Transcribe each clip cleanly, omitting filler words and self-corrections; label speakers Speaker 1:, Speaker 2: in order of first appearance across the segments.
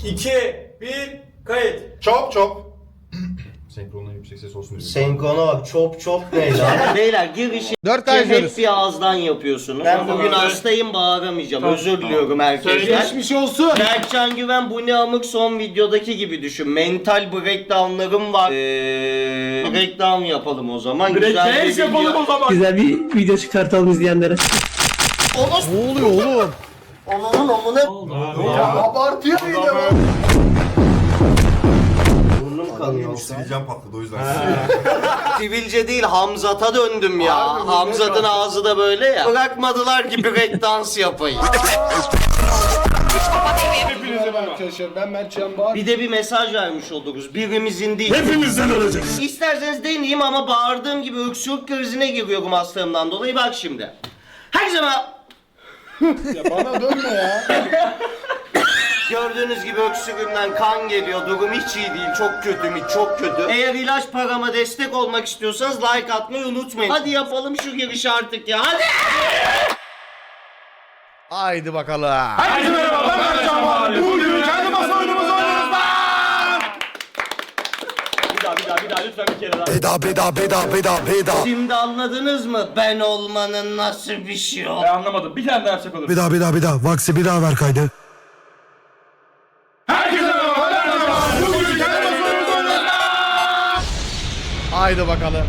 Speaker 1: 2, 1, kayıt.
Speaker 2: Çop çop.
Speaker 3: Senkronla yüksek ses olsun diye.
Speaker 4: Senkrona bak, çop çop ne lan? Beyler girişi
Speaker 5: 4
Speaker 4: hep bir ağızdan yapıyorsunuz. Ben bugün hastayım, bağıramayacağım. Özür diliyorum herkesten.
Speaker 5: Geçmiş olsun.
Speaker 4: Berkcan Güven bu ne amık son videodaki gibi düşün. Mental breakdownlarım var. Breakdown yapalım o zaman. Güzel bir yapalım o zaman.
Speaker 6: Güzel bir video çıkartalım izleyenlere.
Speaker 5: Ne oluyor oğlum?
Speaker 4: Onun amına.
Speaker 2: Ya abartıyor yine bu.
Speaker 4: Burnum kanıyor.
Speaker 3: Sivilcem patladı o yüzden.
Speaker 4: Sivilce değil, Hamzat'a döndüm ya. Hamzat'ın ağzı da böyle ya. Bırakmadılar ki breakdance yapayım.
Speaker 2: Hepinize merhaba arkadaşlar. Ben Mert Can Bağır.
Speaker 4: Bir de bir mesaj vermiş oluruz. Birimizin değil.
Speaker 3: Hepimizden öleceğiz.
Speaker 4: İsterseniz deneyeyim ama bağırdığım gibi öksürük krizine giriyorum hastalığımdan dolayı. Bak şimdi. Herkese merhaba.
Speaker 2: Ya bana dönme ya.
Speaker 4: Gördüğünüz gibi öksürüğümden kan geliyor. Durum hiç iyi değil. Çok kötü mü? Çok kötü. Eğer ilaç parama destek olmak istiyorsanız like atmayı unutmayın. Hadi yapalım şu girişi artık ya. Hadi.
Speaker 5: Haydi bakalım.
Speaker 2: Herkese merhaba. Ben Mert Can Bağır. Bugün kendi masa oyunumuzu oynuyoruz lan.
Speaker 1: Bir daha lütfen bir kere daha.
Speaker 7: Beda.
Speaker 4: Şimdi anladınız mı? Ben olmanın nasıl bir şey o?
Speaker 1: Ben anlamadım. Bir tane daha yapacak olur.
Speaker 7: Beda. Vaksi bir daha ver kaydı.
Speaker 2: Herkese merhaba. Ben Mert Can Bağır. Bugün kendi masa oyunumuzu oynuyoruz lan.
Speaker 5: Haydi bakalım.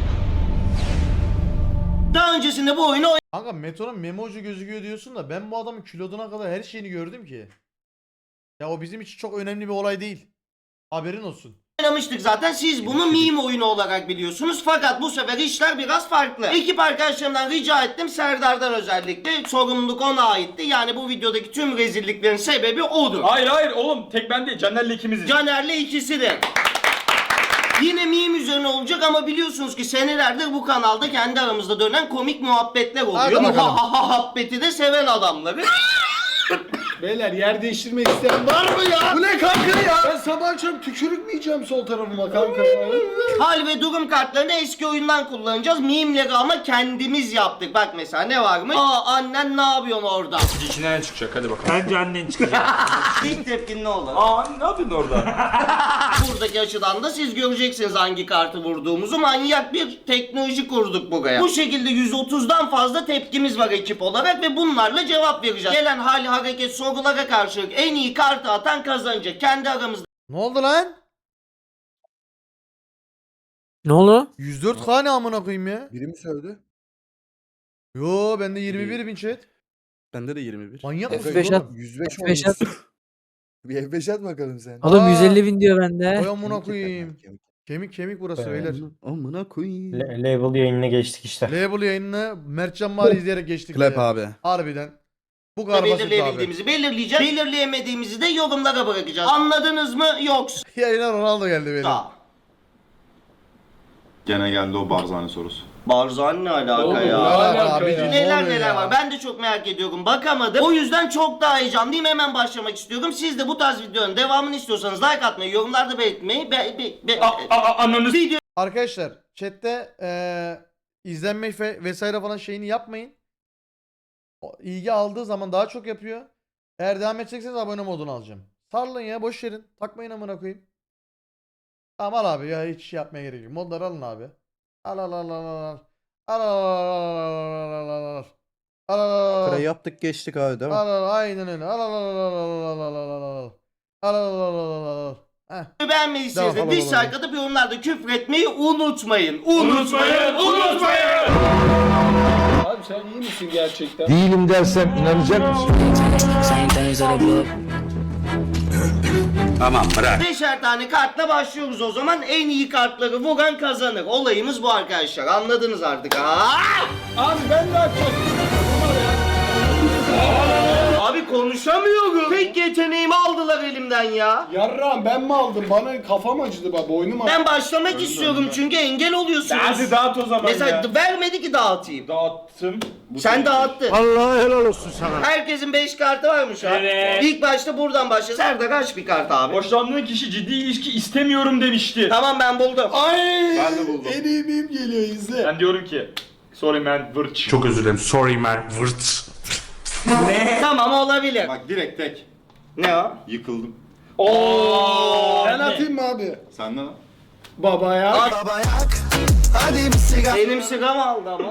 Speaker 4: Daha öncesinde bu oyunu
Speaker 5: Kanka Meto'nun memocu gözüküyor diyorsun da ben bu adamın kiloduna kadar her şeyini gördüm ki. Ya o bizim için çok önemli bir olay değil. Haberin olsun.
Speaker 4: oynamıştık zaten. Siz bunu meme oyunu olarak biliyorsunuz. Fakat bu sefer işler biraz farklı. Ekip arkadaşlarımdan rica ettim. Serdar'dan özellikle. Sorumluluk ona aitti. Yani bu videodaki tüm rezilliklerin sebebi odur.
Speaker 1: Hayır oğlum tek ben değil. Caner'le ikimiziz.
Speaker 4: Caner'le ikisi de. Yine meme üzerine olacak ama biliyorsunuz ki senelerdir bu kanalda kendi aramızda dönen komik muhabbetler oluyor.
Speaker 5: Hadi bakalım.
Speaker 4: Muhabbeti de seven adamları.
Speaker 2: Beyler yer değiştirmek isteyen var mı ya? Bu ne kanka ya? Ben sabah akşam tükürük mü yiyeceğim sol tarafıma kanka ya?
Speaker 4: Hal ve durum kartlarını eski oyundan kullanacağız. Meme'leri ama kendimiz yaptık. Bak mesela ne varmış? Annen ne yapıyorsun orada?
Speaker 1: İçinden çıkacak hadi bakalım. Bence annen çıkacak.
Speaker 4: İlk tepkin ne olur?
Speaker 1: Ne yapıyorsun orada?
Speaker 4: Buradaki açıdan da siz göreceksiniz hangi kartı vurduğumuzu. Manyak bir teknoloji kurduk buraya. Bu şekilde 130'dan fazla tepkimiz var ekip olarak ve bunlarla cevap vereceğiz. Gelen hal, hareket, sorulara karşılık en iyi kartı atan kazanacak. Kendi aramızda
Speaker 5: Ne oldu lan?
Speaker 6: Ne oldu?
Speaker 5: 104K ne amına koyayım ya?
Speaker 8: Biri mi sövdü?
Speaker 5: Yo bende 21 bin chat.
Speaker 8: Bende de 21.
Speaker 5: Manyak mısın
Speaker 6: F5 at.
Speaker 5: oğlum?
Speaker 8: 105
Speaker 6: F5 at.
Speaker 8: olmuş. Bir F5 at bakalım sen.
Speaker 6: Oğlum
Speaker 5: Aa.
Speaker 6: 150 bin diyor bende.
Speaker 5: Oy amına koyayım. Kemik burası beyler.
Speaker 8: Amına koyayım.
Speaker 4: label yayınına geçtik işte.
Speaker 5: Label yayınını Mertcan Bari izleyerek geçtik.
Speaker 8: Clap
Speaker 5: beyler.
Speaker 8: abi.
Speaker 5: Harbiden. Bu kadar basit abi.
Speaker 4: belirleyebildiğimizi belirleyeceğiz. Belirleyemediğimizi de yorumlara bırakacağız. Anladınız mı? Yoksa.
Speaker 5: Yayına Ronaldo geldi beyler.
Speaker 3: Gene geldi o barzane sorusu.
Speaker 4: Barzan ne alaka
Speaker 2: Ne
Speaker 4: ya?
Speaker 2: alaka
Speaker 5: abicim,
Speaker 2: ya?
Speaker 5: ne
Speaker 4: Neler
Speaker 5: oluyor
Speaker 4: neler
Speaker 5: ya?
Speaker 4: var. Ben de çok merak ediyorum. Bakamadım. O yüzden çok daha heyecanlıyım. Hemen başlamak istiyorum. Siz de bu tarz videonun devamını istiyorsanız like atmayı, yorumlarda belirtmeyi,
Speaker 1: Ananı
Speaker 4: video
Speaker 5: Arkadaşlar chatte izlenme vesaire falan şeyini yapmayın. İlgi aldığı zaman daha çok yapıyor. Eğer devam edecekseniz abone modunu alacağım. Sarılın ya boş verin. Takmayın amına koyayım. Tamam al abi ya hiç şey yapmaya gerek yok. Modları alın abi. Al al al al al. Al al al al al. Al al al.
Speaker 8: Yaptık geçtik abi değil mi?
Speaker 5: Al al aynen öyle. Al al al al al al al al al. Al al al al al. Heh.
Speaker 4: beğenmediyseniz de
Speaker 5: Tamam,
Speaker 4: dislike
Speaker 5: tamam.
Speaker 4: atıp yorumlarda küfür etmeyi unutmayın.
Speaker 2: Abi sen iyi misin gerçekten?
Speaker 7: Değilim dersem inanacak mısın?
Speaker 4: Beşer tane kartla başlıyoruz o zaman. En iyi kartları vuran kazanır. Olayımız bu arkadaşlar. Anladınız artık.
Speaker 2: Abi ben de açacağım.
Speaker 4: Abi konuşamıyorum. Tek yeteneğimi aldılar elimden ya.
Speaker 2: Yarrağım ben mi aldım? Bana kafam acıdı bak boynum acıdı.
Speaker 4: Ben başlamak istiyorum çünkü engel oluyorsunuz.
Speaker 1: Hadi dağıt o zaman
Speaker 4: Mesela
Speaker 1: ya.
Speaker 4: vermedi ki dağıtayım.
Speaker 1: Dağıttım.
Speaker 4: Sen dağıttın.
Speaker 7: Allah helal olsun sana.
Speaker 4: Herkesin 5 kartı varmış ha.
Speaker 1: Evet.
Speaker 4: İlk başta buradan başla. Serdar aç bir kart abi.
Speaker 1: Hoşlandığın kişi ciddi ilişki istemiyorum demişti.
Speaker 4: Tamam ben buldum.
Speaker 2: Ay!
Speaker 3: Ben de buldum.
Speaker 2: En iyi meme geliyor izle.
Speaker 1: Ben diyorum ki sorry man vırç.
Speaker 3: Çok özür dilerim. Sorry man. Vırt.
Speaker 4: Tamam olabilir.
Speaker 3: Bak direkt tek.
Speaker 4: Ne o?
Speaker 3: Yıkıldım.
Speaker 2: Ben atayım mı abi?
Speaker 3: Sende lan.
Speaker 2: Babaya.
Speaker 4: Benim sıram aldı ama.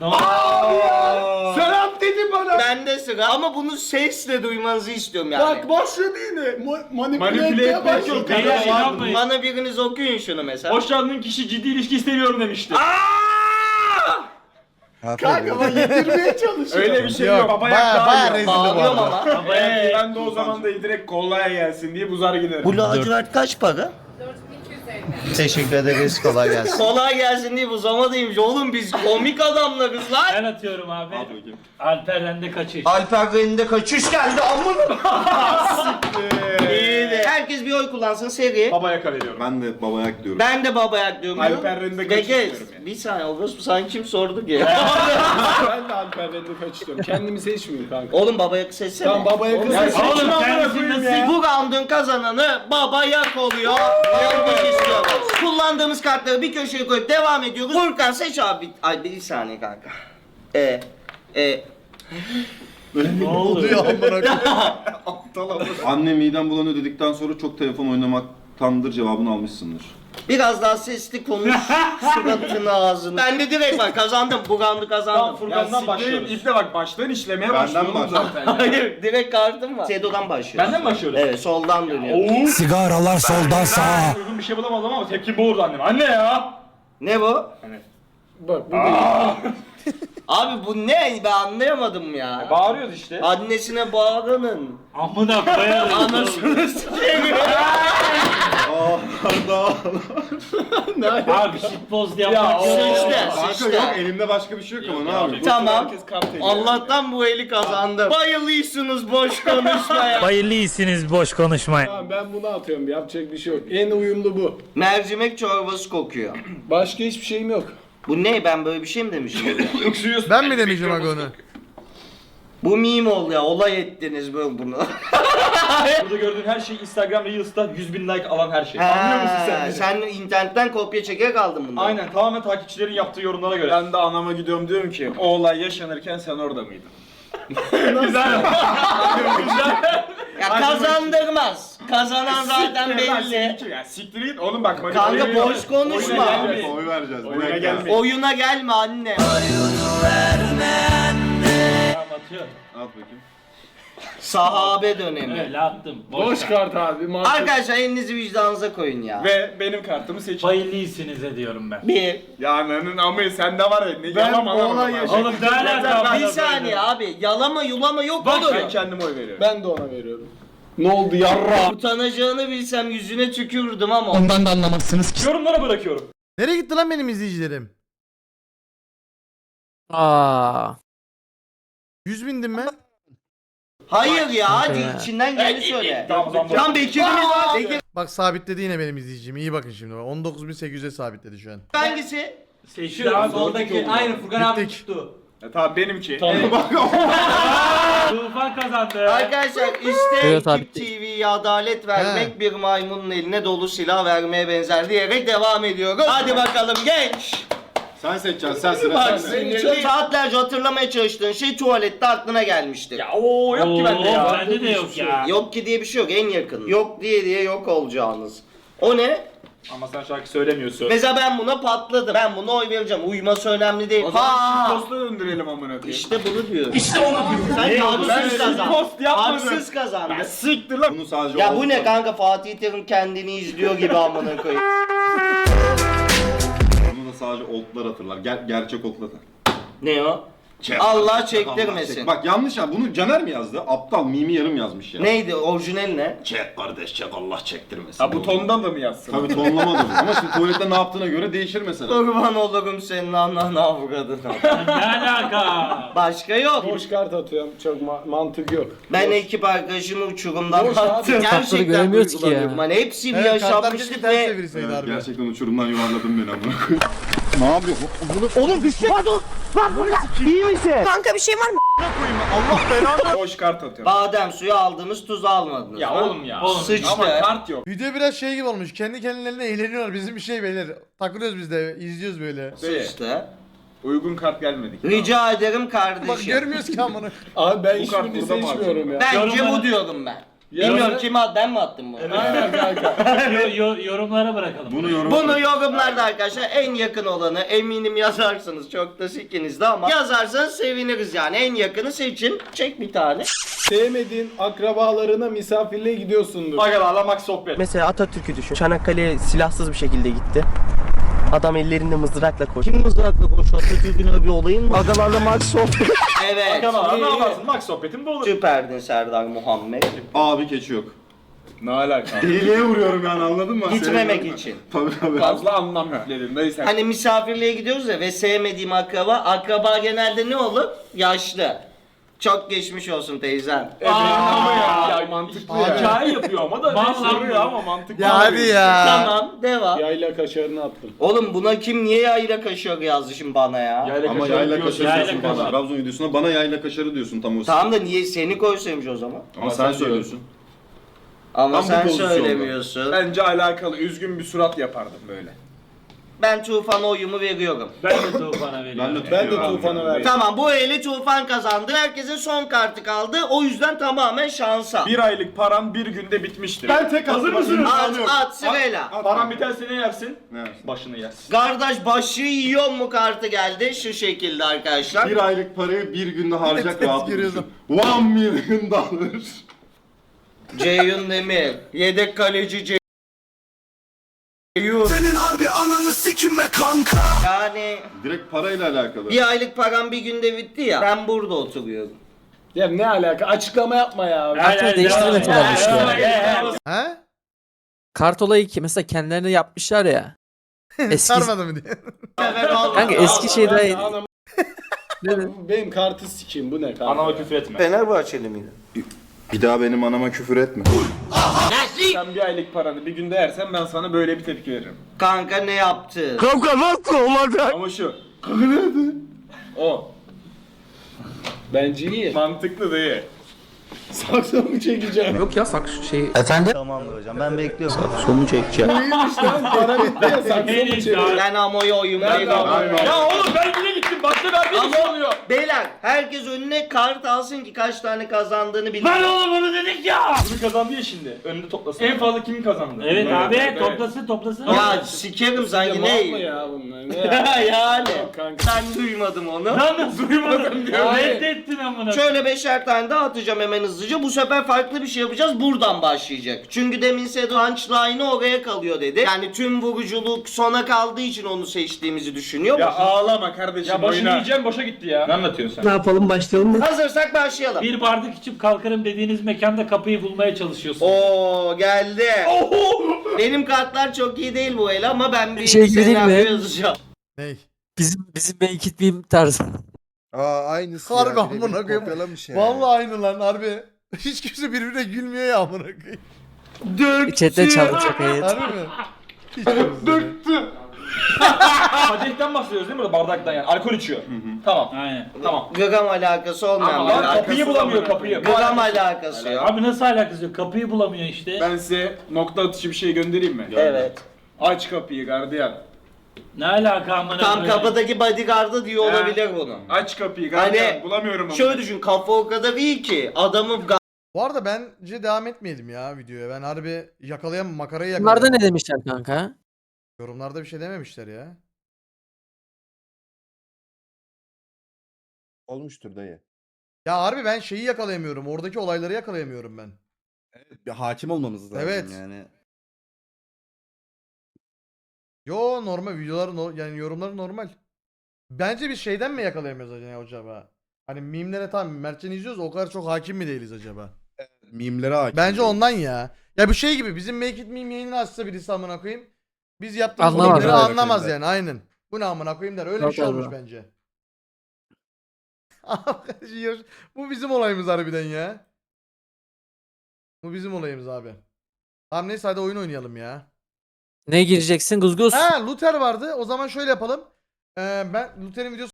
Speaker 2: Serap dedi bana.
Speaker 4: Bende sıra ama bunu sesle duymanızı istiyorum yani.
Speaker 2: Bak başladı yine. Manipüle
Speaker 1: Manipüle
Speaker 2: etmeye
Speaker 1: etmek
Speaker 2: başladı.
Speaker 1: yok. Beyler inanmayın.
Speaker 4: Bana biriniz okuyun şunu mesela.
Speaker 1: Hoşlandığın kişi ciddi ilişki istemiyorum demişti.
Speaker 2: Kanka bak yedirmeye çalışıyor.
Speaker 1: Öyle bir şey
Speaker 5: Yok,
Speaker 1: yok. Baba
Speaker 5: baya-
Speaker 1: yak
Speaker 5: baya
Speaker 1: daha iyi.
Speaker 5: rezil bu
Speaker 4: Bağlıyorum
Speaker 5: arada.
Speaker 4: ama.
Speaker 1: Ben de o zaman da direkt kollaya gelsin diye buzar giderim.
Speaker 4: Bu lacivert kaç para? 4250. Teşekkür ederiz. Kolay gelsin. Kolay gelsin diye bu zamanıymış. Oğlum biz komik adamlarız lan.
Speaker 9: Ben atıyorum abi.
Speaker 3: At bakayım.
Speaker 9: Alper'den de kaçış.
Speaker 4: Alper Bey'in de kaçış geldi amına. İyi de. Herkes bir oy kullansın seri.
Speaker 1: Baba yaka veriyorum.
Speaker 3: Ben de babayak diyorum.
Speaker 4: Ben de baba yak diyorum.
Speaker 1: Alper Rende kaçış
Speaker 4: Peki,
Speaker 1: diyorum yani.
Speaker 4: bir saniye orası sen kim sordu ki?
Speaker 2: Ben de Alper Red'i kaçıyorum. Kendimi seçmiyorum kanka.
Speaker 4: Oğlum baba yak seçsene.
Speaker 2: Tamam babaya kız.
Speaker 9: Oğlum kendisi nasıl?
Speaker 4: Bu round'un kazananı baba yak oluyor. Alkış istiyoruz. Kullandığımız kartları bir köşeye koyup devam ediyoruz. Furkan seç abi. Ay bir saniye kanka.
Speaker 9: Ne oldu?
Speaker 3: Anne midem bulanıyor dedikten sonra çok telefon oynamaktandır cevabını almışsındır.
Speaker 4: Biraz daha sesli konuş. Suratını ağzını. Ben de direkt bak kazandım. Bu round'u kazandım.
Speaker 1: Tamam Furkan'dan başlıyoruz. İple bak baştan işlemeye
Speaker 3: Benden
Speaker 1: başlıyorum
Speaker 3: başla.
Speaker 1: zaten.
Speaker 4: Hayır direkt kartım var. Sedo'dan başlıyoruz.
Speaker 1: Benden mi başlıyoruz?
Speaker 4: Evet soldan dönüyoruz.
Speaker 7: Sigaralar soldan sağa.
Speaker 1: Uygun bir şey bulamadım ama tepkim boğurdu annem. Anne ya!
Speaker 4: Ne bu?
Speaker 2: Bak bu değil.
Speaker 4: Abi bu ne? Ben anlayamadım ya.
Speaker 1: Bağırıyoruz işte.
Speaker 4: Annesine bağlanın.
Speaker 9: Amına koyarım.
Speaker 4: Anasını s**eyim.
Speaker 9: Abi shitpost yapmak
Speaker 1: Ya,
Speaker 9: yok.
Speaker 4: Sıçtı,
Speaker 3: Kanka
Speaker 4: sıçtı.
Speaker 3: yok elimde başka bir şey yok ama ne yapayım?
Speaker 4: Tamam.
Speaker 1: Herkes kart ediyor.
Speaker 4: Allah'tan bu eli kazandım. Bayılıyorsunuz boş konuşmaya.
Speaker 9: Hayırlı iyisiniz boş konuşmayın.
Speaker 2: Tamam ben bunu atıyorum. Yapacak bir şey yok. En uyumlu bu.
Speaker 4: Mercimek çorbası kokuyor.
Speaker 2: Başka hiçbir şeyim yok.
Speaker 4: Bu ne? Ben böyle bir şey mi demişim?
Speaker 1: Öksürüyorsun.
Speaker 5: Ben mi demeyeceğim aga onu?
Speaker 4: Bu meme oldu ya. Olay ettiniz böyle bunu.
Speaker 1: Burada gördüğün her şey Instagram Reels'ta 100.000 like alan her şey. Anlıyor musun sen beni?
Speaker 4: Sen internetten kopya çekerek aldın bunu.
Speaker 1: Aynen tamamen takipçilerin yaptığı yorumlara göre. Ben de anama gidiyorum diyorum ki o olay yaşanırken sen orada mıydın? Güzel.
Speaker 4: Ya kazandırmaz. Kazanan zaten belli.
Speaker 1: Ya siktir git oğlum bak. bak
Speaker 4: Kanka
Speaker 1: oyuna-
Speaker 4: boş konuşma.
Speaker 1: oyuna gelmeyin.
Speaker 3: Oy vereceğiz.
Speaker 1: Oyuna
Speaker 3: Oyuna
Speaker 1: gelmeyin.
Speaker 4: Oyuna gelme anne.
Speaker 9: Tamam atıyorum.
Speaker 3: At bakayım.
Speaker 4: Sahabe dönemi.
Speaker 9: Öyle attım.
Speaker 2: Boş kart abi. Mantık.
Speaker 4: Arkadaşlar elinizi vicdanınıza koyun ya.
Speaker 1: Ve benim kartımı seçin.
Speaker 9: Hayırlı iyisiniz ediyorum ben.
Speaker 4: Bir.
Speaker 1: Ya ananın amı sende var ya ne
Speaker 2: Ben
Speaker 1: yalan
Speaker 2: ona
Speaker 1: anlamadım.
Speaker 2: yaşadım.
Speaker 9: Oğlum ne alaka?
Speaker 4: Bir saniye abi. Yalama yulama yok olur.
Speaker 1: Ben kendime oy veriyorum.
Speaker 2: Ben de ona veriyorum. Ne oldu yarra?
Speaker 4: Utanacağını bilsem yüzüne tükürdüm ama.
Speaker 7: Ondan da anlamazsınız ki.
Speaker 1: Yorumlara bırakıyorum.
Speaker 5: Nereye gitti lan benim izleyicilerim?
Speaker 6: Aa.
Speaker 5: 100 bindim ben.
Speaker 4: Hayır ya hadi
Speaker 6: ya.
Speaker 4: içinden geleni söyle.
Speaker 1: Tamam.
Speaker 4: Tam Bekir'imiz var. Bekir
Speaker 5: Bak sabitledi yine benim izleyicim. İyi bakın şimdi. 19.800'e sabitledi şu an.
Speaker 4: hangisi?
Speaker 9: Seçiyorum. Soldaki aynı Furkan abi
Speaker 5: Bittik.
Speaker 9: tuttu.
Speaker 1: Tamam benimki.
Speaker 9: Tufan kazandı.
Speaker 4: Arkadaşlar işte
Speaker 6: Evet abi.
Speaker 4: Ekip TV'ye adalet vermek
Speaker 5: He.
Speaker 4: bir maymunun eline dolu silah vermeye benzer diyerek devam ediyoruz. Hadi bakalım genç.
Speaker 3: Sen seçeceksin sen sıra
Speaker 4: Bak
Speaker 3: sende.
Speaker 4: sinirli. Saatlerce hatırlamaya çalıştığın şey tuvalette aklına gelmiştir.
Speaker 1: Ya o yok ki bende ya.
Speaker 9: Bende de yok ya.
Speaker 4: Yok ki diye bir şey yok en yakın. Yok diye yok olacağınız. O ne?
Speaker 1: Ama sen şarkı söylemiyorsun.
Speaker 4: Mesela ben buna patladım. Ben buna oy vereceğim. Uyuması önemli değil.
Speaker 1: O zaman
Speaker 4: Ha!
Speaker 1: posta döndürelim amına koyayım.
Speaker 4: İşte bunu diyorum. İşte onu diyorum. Sen haksız kazandın.
Speaker 1: post yapmadım.
Speaker 4: Haksız kazandın.
Speaker 1: Siktir lan.
Speaker 3: Bunu sadece
Speaker 4: Ya bu
Speaker 3: oldu.
Speaker 4: ne kanka Fatih Terim kendini izliyor gibi amına koyayım.
Speaker 3: Bunu da sadece oltlar hatırlar. Gerçek oltlar.
Speaker 4: Ne o?
Speaker 3: Çek.
Speaker 4: Allah
Speaker 3: Allah
Speaker 4: çektirmesin.
Speaker 3: çek. Bak yanlış ya. Bunu Caner mi yazdı? Aptal mimi yarım yazmış ya.
Speaker 4: Neydi orijinal ne?
Speaker 3: Çek kardeş çek Allah çektirmesin.
Speaker 1: Ha bu tondan da mı yazsın?
Speaker 3: Tabii tonlamadım. Ama şimdi tuvalette ne yaptığına göre değişir mesela.
Speaker 4: Kurban olurum senin ananı avradına.
Speaker 9: Ne alaka?
Speaker 4: Başka yok.
Speaker 2: Boş kart atıyorum. Çok mantık yok.
Speaker 4: Ben ekip arkadaşımı uçurumdan
Speaker 2: Boş abi.
Speaker 4: attım.
Speaker 6: Kartları
Speaker 4: Gerçekten
Speaker 6: göremiyoruz ki
Speaker 4: duygulanıyorum.
Speaker 6: ya.
Speaker 4: Hani hepsi bir
Speaker 5: Evet kartlar keşke
Speaker 4: yaşanmışlık
Speaker 5: ters
Speaker 4: ve...
Speaker 5: çevirseydi
Speaker 3: Evet,
Speaker 5: harbiden.
Speaker 3: gerçekten uçurumdan yuvarladın beni amına koyayım. Ne yapıyor?
Speaker 10: Kanka bir şey var mı?
Speaker 1: Boş kart atıyorum.
Speaker 4: Badem suyu aldınız tuzu almadınız.
Speaker 1: Ya
Speaker 4: ha?
Speaker 1: oğlum ya.
Speaker 4: Sıçtı.
Speaker 1: Ama kart yok.
Speaker 5: Video biraz şey gibi olmuş. Kendi kendilerine eğleniyorlar. Bizim bir şey beyler. Takılıyoruz biz de. İzliyoruz böyle.
Speaker 4: Sıçtı.
Speaker 1: Uygun kart gelmedi.
Speaker 4: Rica ederim
Speaker 5: Bak
Speaker 4: kardeşim.
Speaker 5: görmüyoruz ki amına.
Speaker 2: Abi ben
Speaker 1: Bu kart
Speaker 2: hiçbirini
Speaker 1: burada mı
Speaker 2: seçmiyorum ya.
Speaker 4: Bence
Speaker 9: Yorumlara-
Speaker 4: bu diyorum ben. Bilmiyorum kime at, ben mi attım bunu?
Speaker 2: Aynen kanka.
Speaker 9: Yorumlara bırakalım.
Speaker 4: Bunu yorumlarda arkadaşlar en yakın olanı eminim yazarsınız. Çok da sikiniz de ama yazarsanız seviniriz yani. En yakını seçin. Çek bir tane.
Speaker 2: Sevmediğin akrabalarına misafirliğe gidiyorsundur.
Speaker 1: Agalarla max sohbet.
Speaker 6: Mesela Atatürk'ü düşün. Çanakkale'ye silahsız bir şekilde gitti. Adam ellerinde mızrakla koştu.
Speaker 4: Kim mızrakla konuşuyor? Atatürk'ün bir olayın mı?
Speaker 6: Agalarla maç sohbet.
Speaker 4: Evet.
Speaker 1: Agalarla ne yaparsın? Max sohbetim bu olur.
Speaker 4: Süperdin Serdar Muhammed.
Speaker 3: Abi keçi yok.
Speaker 1: Ne alaka?
Speaker 3: Deliğe vuruyorum yani anladın mı?
Speaker 4: Gitmemek
Speaker 3: Sevmiyorum.
Speaker 4: için.
Speaker 3: Tabii.
Speaker 1: Fazla anlam yükledin dayı sen.
Speaker 4: Hani misafirliğe gidiyoruz ya ve sevmediğim akraba genelde ne olur? Yaşlı. Çok geçmiş olsun teyzem.
Speaker 1: Ama ya mantıklı ya. Hikaye yapıyor ama da
Speaker 9: Vallahi
Speaker 1: soruyor ama mantıklı.
Speaker 5: Ya hadi ya.
Speaker 4: Tamam devam.
Speaker 2: Yayla kaşarını attım.
Speaker 4: Oğlum buna kim niye yayla kaşıyor yazdı şimdi bana ya?
Speaker 3: Ama yayla
Speaker 1: diyorsun.
Speaker 3: kaşarı
Speaker 9: Yayla
Speaker 3: diyorsun bana.
Speaker 9: kaşarı.
Speaker 3: Trabzon videosunda bana yayla kaşarı diyorsun tam o
Speaker 4: Tamam da niye seni koysaymış o zaman?
Speaker 3: Ama sen söylüyorsun.
Speaker 4: Ama
Speaker 3: Tam bu
Speaker 4: sen
Speaker 3: pozisyonda.
Speaker 4: söylemiyorsun.
Speaker 1: Bence alakalı üzgün bir surat yapardım böyle.
Speaker 4: Ben Tufan'a oyumu veriyorum.
Speaker 9: Ben de Tufan'a veriyorum.
Speaker 2: Ben de Tufan'a verdim.
Speaker 4: Tamam bu eli Tufan kazandı. Herkesin son kartı kaldı. O yüzden tamamen şansa.
Speaker 1: Bir aylık param bir günde bitmiştir.
Speaker 2: Ben tek
Speaker 1: Hazır
Speaker 2: atmak
Speaker 1: mısınız?
Speaker 4: At sırayla.
Speaker 1: Param biterse ne yersin?
Speaker 3: Ne yersin?
Speaker 1: Başını yersin.
Speaker 4: Kardeş başı yiyor mu kartı geldi şu şekilde arkadaşlar.
Speaker 3: Bir aylık parayı bir günde harcayacak
Speaker 5: Test
Speaker 3: rahatlık
Speaker 5: görüyorsun.
Speaker 3: düşün. $1 million.
Speaker 4: Ceyhun Demir. Yedek kaleci Ceyhun.
Speaker 7: Senin harbi ananı sikim be kanka.
Speaker 4: Yani
Speaker 3: Direkt parayla alakalı.
Speaker 4: bir aylık param bir günde bitti ya. Ben burada oturuyorum.
Speaker 2: Ya ne alaka? Açıklama yapma ya.
Speaker 6: Kartını değiştirmek olaymış ya.
Speaker 5: He?
Speaker 6: Kart olayı ki mesela kendilerine yapmışlar ya. Eski
Speaker 5: Sarmadı mı diye.
Speaker 6: kanka eski şeyde
Speaker 2: Anam, benim kartı sikeyim bu ne kanka?
Speaker 1: Anama küfür etme.
Speaker 4: Fenerbahçeli miydi?
Speaker 3: Bir daha benim anama küfür etme.
Speaker 1: Sen bir aylık paranı bir günde yersen ben sana böyle bir tepki veririm.
Speaker 4: Kanka ne yaptı?
Speaker 7: Kanka nasıl olacak?
Speaker 1: Ama şu. O.
Speaker 2: Bence iyi.
Speaker 1: Mantıklı değil.
Speaker 2: Saksımı çekeceğim.
Speaker 6: Yok ya sak şey.
Speaker 4: Tamamdır hocam ben bekliyorum. Sonu çekeceğim.
Speaker 2: İyiymiş lan para bitti ya saksımı çekeceğim.
Speaker 4: Ben Amo'ya oyun veriyorum.
Speaker 1: Ya oğlum ben bile gittim. Başta verdiğim şey oluyor.
Speaker 4: Beyler herkes önüne kart alsın ki kaç tane kazandığını bilsin.
Speaker 9: Lan oğlum onu dedik ya.
Speaker 1: Kimi kazandı ya şimdi? Önünde toplasın. En fazla kim kazandı?
Speaker 9: Evet abi
Speaker 1: evet.
Speaker 9: toplasın.
Speaker 4: Ya sikerim sanki
Speaker 2: Mal mı
Speaker 4: ne?
Speaker 2: ya bunlar? Ne ya?
Speaker 4: Yani.
Speaker 2: Yok kanka.
Speaker 4: Ben duymadım onu.
Speaker 9: Lan nasıl duymadın diyor.
Speaker 2: Hayır.
Speaker 9: Reddettin amına.
Speaker 4: Şöyle 5'er tane daha atacağım hemen hızlıca. Bu sefer farklı bir şey yapacağız. Buradan başlayacak. Çünkü demin Sedo punchline'ı oraya kalıyor dedi. Yani tüm vuruculuk sona kaldığı için onu seçtiğimizi düşünüyor.
Speaker 1: Ya ağlama kardeşim.
Speaker 9: Ya başını
Speaker 1: oyna.
Speaker 9: yiyeceğim boşa gitti ya.
Speaker 1: Ne anlatıyorsun
Speaker 6: Ne
Speaker 1: sen?
Speaker 6: yapalım başlayalım mı?
Speaker 4: Hazırsak başlayalım.
Speaker 9: Bir bardak içip kalkarım dediğiniz mekanda kapıyı bulmaya çalışıyorsun.
Speaker 4: Oo geldi. Benim kartlar çok iyi değil bu el ama ben bir
Speaker 6: Şey gibi değil mi?
Speaker 4: senaryo yazacağım.
Speaker 5: Ney?
Speaker 6: Bizim make it meme tarzı.
Speaker 8: Aynısı
Speaker 5: Harbi
Speaker 8: ya.
Speaker 5: amına
Speaker 8: birebir
Speaker 5: koyayım.
Speaker 8: kopyalamış yani.
Speaker 5: Vallahi aynı lan harbi. Hiç kimse birbirine gülmüyor ya amına koyayım.
Speaker 6: Chat'te çalacak evet.
Speaker 5: Harbi mi? Hiç kimse.
Speaker 1: Kadehten bahsediyoruz değil mi? Bardaktan yani. Alkol içiyor. Tamam.
Speaker 9: Aynen.
Speaker 1: Tamam.
Speaker 4: Gram alakası olmayan
Speaker 1: Ama
Speaker 4: bir
Speaker 1: lan
Speaker 4: alakası.
Speaker 1: kapıyı bulamıyor kapıyı.
Speaker 4: Gram alakası yok.
Speaker 9: Abi nasıl alakası yok? Kapıyı bulamıyor işte.
Speaker 1: Ben size nokta atışı bir şey göndereyim mi?
Speaker 4: Evet.
Speaker 1: Aç kapıyı gardiyan.
Speaker 9: Ne alaka amına
Speaker 4: Tam
Speaker 9: koyayım?
Speaker 4: kapıdaki bodyguard'ı diyor olabilir bunu.
Speaker 1: Aç kapıyı gardiyan.
Speaker 4: Hani
Speaker 1: Bulamıyorum onu.
Speaker 4: şöyle düşün kafa o kadar iyi ki adamı
Speaker 5: Bu arada bence devam etmeyelim ya videoya. Ben harbi yakalayamam, makarayı
Speaker 6: Bunlarda
Speaker 5: yakalayamam.
Speaker 6: ne demişler kanka?
Speaker 5: Yorumlarda bir şey dememişler ya.
Speaker 8: Olmuştur dayı.
Speaker 5: Ya harbi ben şeyi yakalayamıyorum. Oradaki olayları yakalayamıyorum ben.
Speaker 8: Bir hakim olmamız lazım
Speaker 5: Evet.
Speaker 8: yani.
Speaker 5: Yo normal videolar yani yorumları normal. Bence biz şeyden mi yakalayamıyoruz acaba? Hani mimlere tam Mertcan izliyoruz o kadar çok hakim mi değiliz acaba?
Speaker 8: Mimlere hakim.
Speaker 5: Bence ondan ya. Ya bu şey gibi bizim Make It Meme yayını açsa birisi amına koyayım. Biz yaptığımız
Speaker 6: Anlamaz
Speaker 5: mimleri
Speaker 8: abi.
Speaker 5: anlamaz yani aynen. Bu ne amına koyayım der. Öyle bir şey
Speaker 6: Yok
Speaker 5: olmuş
Speaker 6: abi.
Speaker 5: bence. Bu bizim olayımız harbiden ya. Bu bizim olayımız abi. Tamam neyse hadi oyun oynayalım ya.
Speaker 6: Ne gireceksin? Guzguz.
Speaker 5: Ha Luther vardı. O zaman şöyle yapalım. Ben Luther'in videosu